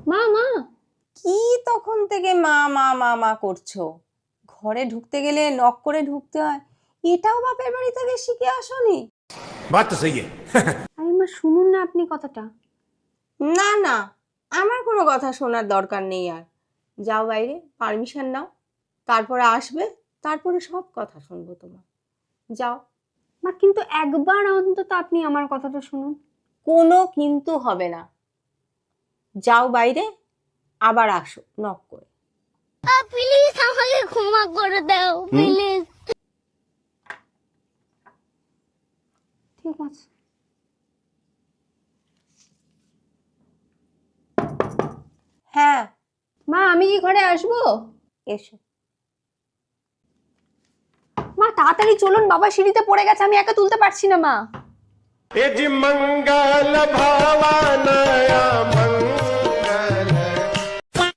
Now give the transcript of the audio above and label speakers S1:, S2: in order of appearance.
S1: মা মা,
S2: কি তখন থেকে মা মা মা মা করছো? ঘরে ঢুকতে গেলে নক করে ঢুকতে হয়, এটাও বাপের বাড়ি থেকে শিখে আসোনি?
S3: बात तो सही है।
S1: আরে মা শুনুন না আপনি কথাটা।
S2: না না, আমার কোনো কথা শোনার দরকার নেই আর। যাও বাইরে, পারমিশন নাও, তারপরে আসবে, তারপরে সব কথা শুনবো তোমার। যাও।
S1: মা কিন্তু একবার অন্তত আপনি আমার কথাটা শুনুন।
S2: কোনো কিন্তু হবে না। যাও বাইরে, আবার আসো নক করে।
S4: প্লিজ আমাকে ক্ষমা করে দাও প্লিজ।
S1: ঠিক আছে।
S2: হ্যাঁ,
S1: মা আমি কি ঘরে আসবো?
S2: এসো।
S1: মা তাড়াতাড়ি চলুন, বাবা সিঁড়িতে পড়ে গেছে, আমি একা তুলতে পারছি না মা।
S3: मंगल भावनया